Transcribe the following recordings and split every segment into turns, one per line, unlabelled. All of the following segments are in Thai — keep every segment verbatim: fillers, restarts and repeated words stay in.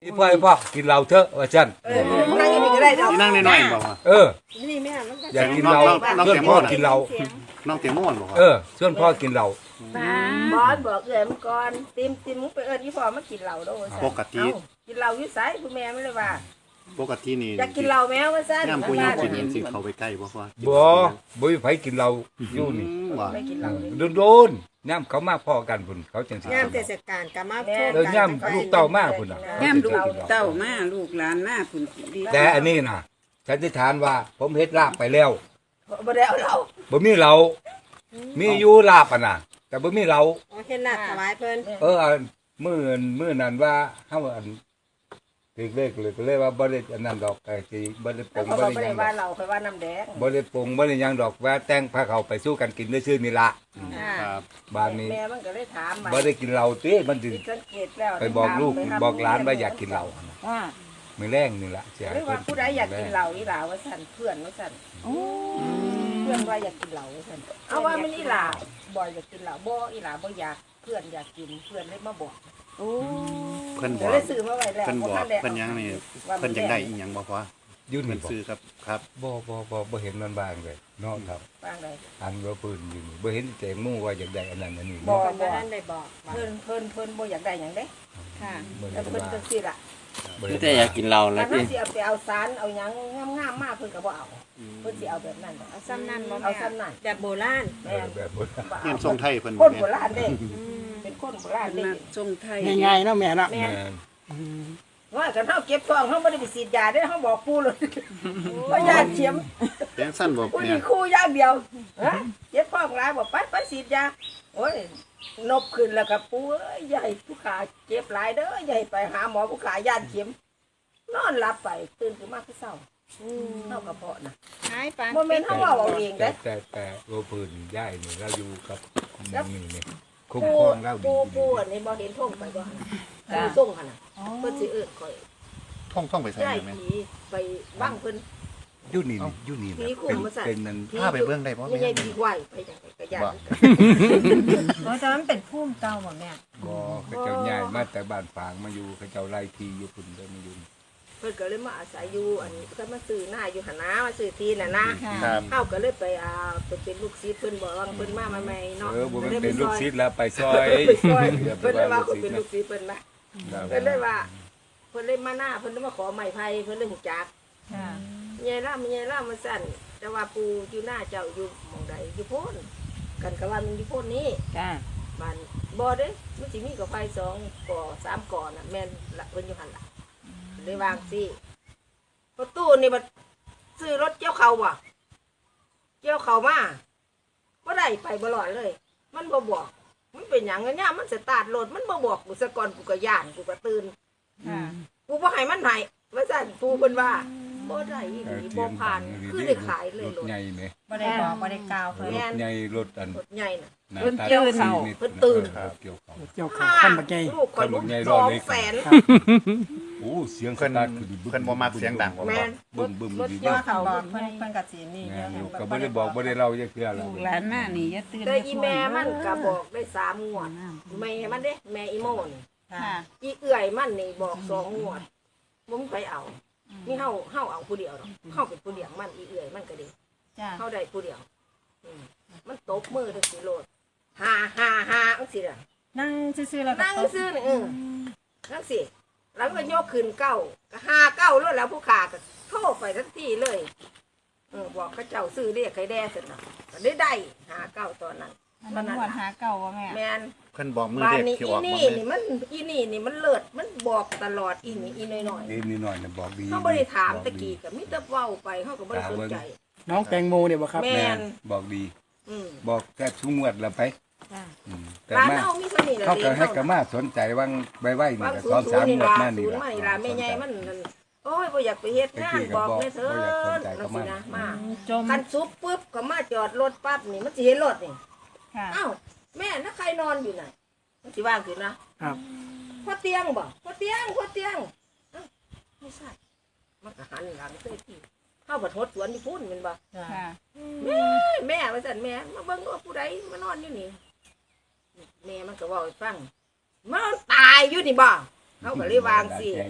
อีพ่อไอ้พ่อกินเหล้าเถอะว่าซั่น
เออนั่งอย่างนี้ก็ได้ดอก
ที่นั่งน้อยๆบอกว่า
เออ
นี่แม่มันก็
อยากกินเหล้า
น้อง
เพื่อน
แตงโม
พ่อ
น่ะ
กินเหล้า
น้องเตียงม่วนบอกว่า
เออชวนพ่อกินเหล้า
บอสบอกเอ๋ยมันก่อนติมติมมึงไปเอิญยี่พ่อมากินเหล้าด้วย
ปกติ
กินเหล้าอยู่ไสผู้แม่ไม่เลยว่า
ปกตินี่
อยากกินเหล้าแมวว่าซั่น
ย่ำผู้หญิงกินเห็นสิเขาไปใกล้บ่ว่า
บ่บ่มีไผกินเหล้าอยู่นี่
ว่า
ไม่กินเหล้าเลย
โดนๆย่ำเขามาพ่อกันพุ่นเขาจังสิ
งามเทศกาลก็มาโทษ
เออย่ำลูกเต้ามาพุ่นน่ะ
ย่ำลูกเต้ามาลูกหลานมาพุ่นดี
แต่อันนี้น่ะสันนิษฐานว่าผมเฮ็ดลาบไปแล้ว
บ่ได้เอาเหล้า
บ่มีเหล้ามีอยู่ลาบอ่ะน่ะแต่บ่มีเหล้า
โอเคน่ะถวายเพิ่น
เอออันมื้อมื้อนั้นว่าเฮาอันถึกเลขเลยก็เลยว่าบ่ได้อันนั้นดอกไอ้สิบ่ได้ป
แล้ว
ง
เขา
บ่
ก็
ได้
บ่
หยังดอก
ได้ว่าเหล้าค่อยว่าน้ำแดง
บ่ได้ปงบ่ได้หยังดอกว่าแต่งพาเขาไปสู้กันกินซื่อๆนี่ล่ะ
ครับ
บ้านนี้
แม่มันก็เลยถาม
บ่ได้กินเหล้าติมันสิ
สังเกตแล้ว
ไปบอกลูกบอกหลานว่าอยากกินเหล้า
ว่า
มื้อแรงนี่ล่ะสิ
หรือว่าผู้ใดอยากกินเหล้าอีหลาว่าซั่นเพื่อนว่าซั่น
โอ้
เพื่อนว่าอยากกินเหล้าว่าซั่นเอาว่ามันอีหลาบ่อยากกินเหล้าบ่อีหลาบ่อยากเพื่อนอยากกินเพื่อนเลยมาบอก
โอ้
เพิ่นบ
เดี๋
อย ก
วเลยซื้อมาไว้แล้ว
เพิ่นบอก
ทัได้
เพิ่นยังนี่เพิ่นจังได้อีหยังบ่ว่า
อยู่
เพิ่
นี่
น
บ่
ซื้อครับครับ
บ่บ่บ่บ่เห็นมันบ้างเลยเนาะครับ
บางเลย
อันว่าปืนอยู่นี่บ่เห็นแต่หมู่ว่าอยากได้อันนั้นอันนี้
บ่
เนาะ
เพิ่นบ่ทันได้บอกว่า
เพิ่นเพิ่นเพิ่นบ่อยากได้หยังเด้
ค่ะ
บ่
แต่
ได้
เพิ่น
ว่า
จังซี่ล่ะ
บ่ได้
แต่อยากกินเหล้าแล้
ถ้าว เฮา
พี่
สิเอาไปเอาสารเอาหยังงามๆมาเพิ่นก็บ่เอาเพิ่นสิเอาแบบนั้น
เอาซ้ำนั่นบ่
เอา
แม่
ซ้ำนั่น
แบบโบราณ
แม่น
แบบบ่
บ่
เฮียนทร
เอา
งไทยเพิ่น
คน
แม่
โบราณเด้เป็นคนโบราณ
เพิ่น
เด้
มาทรงไทย
ง่ายๆเนาะแม่เนาะ
แม่
แม่
น
น
ว่ากันเฮาเก็บทองเฮาบ่ได้ไปฉีดยาเด้เฮาบอกปู่เลยว่าญาติเข็ม
แจ้งสั้นบ่
ปู่
เนี่
นี่
ย
คู่อย่างเดียวฮะเจ็บท้องหลายบอกไปไปฉีดยาโอ้ยนบขึ้นแล้วก็ปู่เอ้ยอย่าให้ผู้ขาเจ็บหลายเด้ออย่าให้ไปหาหมอผู้ขาญาติเข็มนอนหลับไปตื่นขึ้นมาคือเศร้าเฮากระเพาะน่ะ
หายไป
บ่แม่นเฮาเว้าเอาเอง
แต่
เด้
แต่แต่ว่าปืนย้ายนี่เราอยู่กับนี่นี่คุ้ม
ปู
ครองเราดี
ปูปูอันนี้บ่เห็นท่งไปบ่ปูส่งหั่นน่ะเพิ่นสิเอิ้นข่อย
ท่องท่องไปใส่
ย้าย
แม่
ผีไปบ้างเพิ่น
อยู่นี่นี่อยู่นี่
ผี
นะ
คุ
เป็น
มมาสั่น
เป็นนั่น
พาไปเบิ่งได้บ่
ไม่
แม่
ใช่ผีไหวไปจังไดก็ย่าน
โอ้แต่มันเป็นภูมิเก่าบ่แม่
บ่เขาเจ้าย้ายมาแต่บ้านฝางมาอยู่เขาเจ้าไล่ที่อยู่พุ่นเด้อมาอยู่
เพิ่นก็เลยมาอาศัยอยู่อันนี้ก็มาซื้อหน้าอยู่หั่นนะมาซื้อที่น่ะนะ
ครับ
เฮาก็เลยไปเอาไปเป็นลูกศิษย์เพิ่นบอกว่าเพิ่นมาใหม่ๆเนาะ
เออบ่แม่นเป็นลูกศิษย์แล้วไปซอย
ไปซอย
อย่าไป
เพิ่นเลยว่า
ว่าลู
เพิ่น
กศิษย์นะ
เป็นลูกศิษย์เพิ่นนะเพิ่นเลยว่าเพิ่นเลยมาหน้าเพิ่นเลยมาขอไม้ไผ่เพิ่นเลยหูจัก
ค่ะ
ยายล่ามยายล่ามมาสั่นแต่ว่าปูอยู่หน้าเจ้าอยู่หมองใดอยู่โพ้นกันก็ว่ามันอยู่โพ้นนี้
จ้า
บ้านบ่เด้มันสิมีกับไฟสองก่อสามก่อน่ะแม่นละเพิ่นอยู่หั่นล่ะเลยวางสิประตูนี่บัดซื้อรถเกี่ยวเขาบ่เกี่ยวเขามาบ่ได้ไปบ่รอดเลย มันบ่บอกมันเป็นหยังอะเนี่ยมันสตาร์ทรถมันบ่บอกกูซะก่อนกูก็ย่านกูก็ตื่น
ค่ะ
กูบ่ให้มันให้ว่าซั่นปูเพิ่นว่าบ่ได้อีหลีบ่ผ่านคือได้ขายเลย
ร
ร
ถ
ถ
ใหญ่แหม
บ่ได้บอกบ่ได้กล่าวเพิ่น
รถใหญ่รถอัน
รถใหญ่น่ะ
หน้า
เพิ่น
ตา
เกี่ยวเขา
สี่
เพิ่นตื่น
ครับเกี่ยวเขา
เกี่ยวกับขั้นบักใหญ่
ลูกคนลูก
คนบักใหญ่
ส
รอ
อ
ด
ง
เลย
แสน
โอ้เสียงส
เพิ่น
ตาร์ทคือดี
เพิ่นบ่มักเสียงดังบ่
แม่น
บึ้มบึ้ม
รถ
ดี
เกี่ยว
มาก
เขา
บอก
เพิ่
เพิ่
น
นเพิ่นก็สินี่
แม่
เย
น
อะ
อยู่ก็บ่ได้บอกบ่ได้เล่าจักเทื่อแล้ว
ลูกหลานมานี่อย่าตื่น
แต่อีแม่มันก็บอกได้สามงวดแม่มันเด้แม่อีโมน
ค่ะ
อีเอื่อยมันนี่บอกสองงวดบ่มีใครเอานี่เฮาเฮาเอาผู้เดียวดอกเฮาเป็นผู้เลี้ยงมันอีเอื่อยมันก็ดี
จ้า
เฮาได้ผู้เดียวอืมมันตบมือจังซี่โลดฮ่าฮ่าฮ่าจังซี่ล่ะ
นั่งซื่อๆแล้วก็
นั่ง
ตบ
ซื่อนี่เออนั่งสิแล้วก็ยกขึ้นเก้าก็ห้าเก้าแล้วแล้วผู้ขาก็โทรไปทันทีเลยเออบอกเขาเจ้าซื้อเรียกใครแด่เสร็จนะก็ได้ได้หาเก้าตอนนั้น
มันหวดหาเก่าบ่แม่
แมน
เพิ่นบอกมือ
บ้าน
เด็ก
นี้
ที่
อี
ออกบ่
นี่
แม่
นี่มันอีนี่นี่มันเลิศมันบอกตลอดอีนี่อีน้อยน้อย
นี่นิดหน่อยน่ะบอกดี
เขาไม่ได้ถามตะกี้ก็มิตรเว้าไปเขาก็ไม่ได้สนใจ
น้องแตงโมเนี่ยบ่ครับ
แม่
แม่นบอกดี
อืม
บอกแค่ทุกงวดแล้วไป
จ้า
อืมแต่
ร้าน
มา
เฮามีเท่านี้แหละ
เขาก็
เด็ก
ให้
เฮา
กะมาสนใจว่างใบไว้นี่
บาง
ก็
ศู
สอน
นย์
สาม
นี่
งวด
ล่ะ
มา
ศู
นี่
นย์
ล่ะ
ไม่ล่ะแม่ใหญ่มันนั่นโอ้ยบ่อยากไปเฮ็ดงานบอกแม่เถิดจังซี่นะมา
จม
คันซุปปุ๊บก็มาจอดรถปั๊บนี่มันสิเห็นรถนี่
ค่ะ
อ้าวแม่นักใครนอนอยู่ไหนมันสิว่างขึ้นนะครับ พ่อเตียงบ่พ่อเตียงพ่อเตียงอ้าวไม่ใช่มันก็หันหลังเส้ที่เข้าบัดหดสวนที่พุ่นแมันบ่
ค่ะ
แม่แม่ว่าซั่นแม่มาเบิ่งว่าผู้ใดมานอนอยู่นี่แม่มันก็เว้าให้ฟังมันตายอยู่นี่บ่เขาก็เลยวางสิ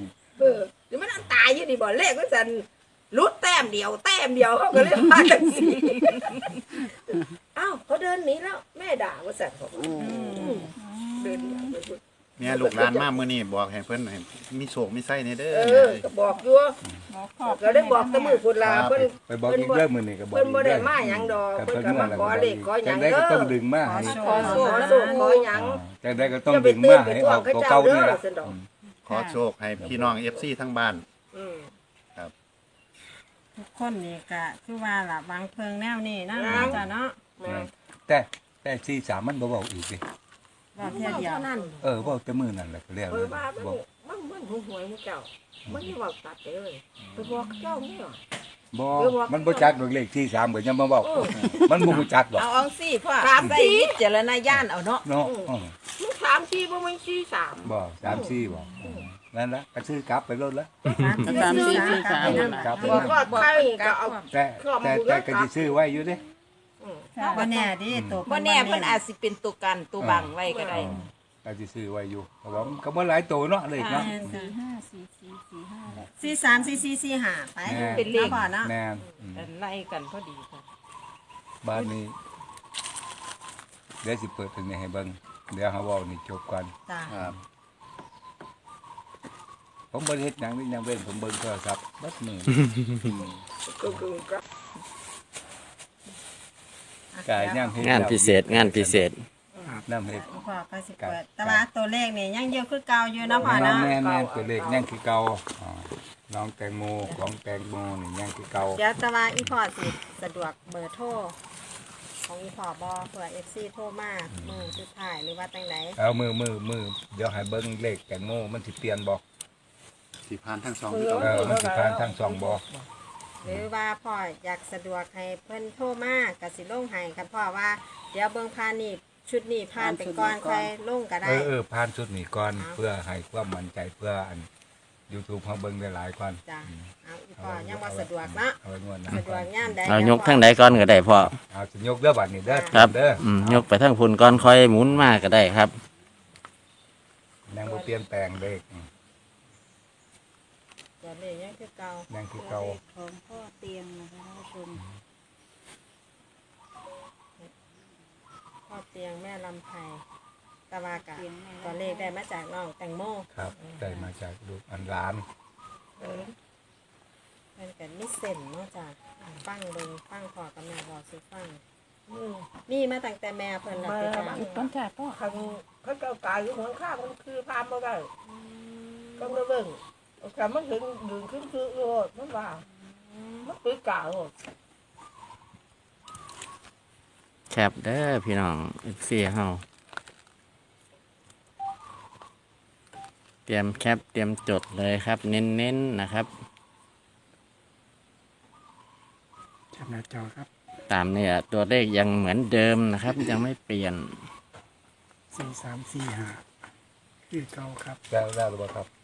เออหรือมันอันตายอยู่ดีบ่เลขมันสันรุดแต้มเดียวแต้มเดียวเขาก็เลยพากันสิอ้าวเขาเดินหนีแล้วแม่ด่าว่าสันเขาบอกเดินหนีไปพุ่น
เนี่ยลูกหลานมามื้อนี้บอกให้เพิ่นให้มีโชคมีไส้ในเด้
เอ
อ
อก็บอกอยู่
บอกพ่อ
ก็ได้บอกแตะมือพุ่นลาเพิ่น
ไปบอกอีกเรื่องมื้อนี้ก็บอก
เพิ่นบ่ได้
อีก
มา
เรื่อง
หยังดอก
แต่
เพิ่น
เพิ่น
ก็มา
มา
ขอเลขขอหยั
จั
ง
งได๋
เด้
ก็
อ
ต้องดึงมาให้
ขอโชคขอโชคขอหยัง
จังได๋ก็ต้องดึงมาให้ออกตัวเก่านี่ล่ะ
ขอโชคให้พี่น้อง เอฟ ซี ทั้งบ้าน
อืม
ทุกคนนี่ก็คือว่าล่ะวางเพิงแนวนี้นะจ้ะเนาะ
แต่แต่สี่สามมันบ่เว้าอีกดิ
ว่าเที่ยวเดียว
เท่านั้น
เออเว้าแต่มื้อนั่นแหละก็แล้ว
เออว่ามัน
บอก
มันมันหวยมึงเจ้ามันนี่ว่าตัดไปเลยไปบอกเจ้านี่หรอ
บ่มันบ่จักดอกเลขสี่สามก็ยังบ่เว้ามันบ่รู้จักหรอก
เอาเอาสิพ่อ
สาม
ใส่
สี่
วิจารณญาณเอาเนาะ
เนาะเออ
มึงสามสี่บ่มันสี่สาม
บ่สามสี่บ่เออนั่นละก็ซื้อกลับไปรถละ
สามสี่สี่สาม
กลับไป
บอก
นั่น
ว่าใครก็เอา
แต่แต่แต่ก็สิซื้อไว้อยู่เด้
บ่แน่ดิตัว
บ่แน่เพิ่นอาจสิเป็นตัวกันตัวบังไว้ก็ได้
ก็สิซื้อไว้อยู่เพราะว่ามันก็บ่หลายตัวเนาะเลขเนาะ
สี่ห้าสี่สี่สี่ห้าสี่สามสี่สี่สี่ห้าไป
เป็นเลข
พ่อเนาะ
แม่นอืม
ไล่กันพอดีค่ะ
บ้านนี้เดี๋ยวสิเปิดตรงนี้ให้เบิ่งเดี๋ยวเฮาเว้านี่จบก่อน
จ้ะ
ครับ
ผมบ่ได้เฮ็ดหยังนี่ยังเว้นผมเบิ่งโทรศัพท์เบัดมื้อ
ก็คือก็
กายย่างเฮ็ด
งานพิเศษงานพิเศษ
น้ำเฮ็ด
พ่อก็สิเปิดแต่ว่าตัวเลขนี่ยังเยอะคือเก่าอยู่เนาะพ่อ
น้อง
เนาะ
แม่นแม่นตัวเลขยังคือเก่าอ่าน้องแตงโมของแตงโมนี่ยังคือเก่า
เดี๋ยวแต่ว่าอีพ่อสิสะดวกเบอร์โทรของอีพ่อบ่เผื่อ เอฟ ซี โทรมามือสุดท้ายหรือว่าจังได
เอามือมือมือเดี๋ยวให้เบิ่งเลขแตงโมมันสิเปลี่ยนบ่
สิผ่านทั้งสอง
เอ
พี่น้อง
อมันสิผ่านทั้งสองบ่
หรือว่าพ่ออยากสะดวกให้เพิ่นโทรมาก็สิลงให้กันพ่อว่าเดี๋ยวเบิ่งผ่านนี่ชุดนี้ผ่านไปก่อนค่อยลงก็
เอ
ได้
อเออผ่านชุดนี้ก่อนเพื่อให้ความมั่นใจเพื่ออัน YouTube เฮาเบิ่งได้หลายก่อน
จ้ะเอาอีพ่อยังบ่สะดวกเนาะ
เอาไว้งวดหน้า
สะดวกยามใด
เอายกทั้งใดก่อนก็ได้พ่อ
เอาสิยกเด้อบัดนี้เด้อ
ครับ
เด้อ
อืมยกไปทั้งพุ่นก่อนค่อยหมุนมาก็ได้ครับ
ยังบ่เปลี่ยนแปลงเลขอืม
เดี๋ยวนี้ยังคือเก่า
ยังคือเก่า
ของพ่อเตียงนะคะท่านผู้ชม
พ่อเตียงแม่ลำไพตะวากะตัวเลขได้มาจากน้องแตงโม
ครับได้มาจากลูกอันหลาน
เออเพิ่นก็มีเส้นเนาะจ้ะฟังเบิ่งฟังพ่อกับแม่บอกสิฟัง
อืม
มีมาตั้งแต่แม่เพิ่นละไปจ้ะ
ต้นจ่าพ่อ
คันเขาเก่าตายอยู่หัวข้างมันคือพามบ่ได้ก็มาเบิ่งแต่มันถึงดึงขึ้นคือโลดมันว่ามันคือกาโลด
แคปเด้อพี่น้องเอฟซีเฮาเตรียมแคปเตรียมจดเลยครับ เน้นๆนะครับ
จับหน้าจอครับ
ตามเนี่ยตัวเลขยังเหมือนเดิมนะครับ ยังไม่เปลี่ยน
สี่สามสี่ห้าคือเก่าครับ
แล้วแล้วหรือเปล่าครับ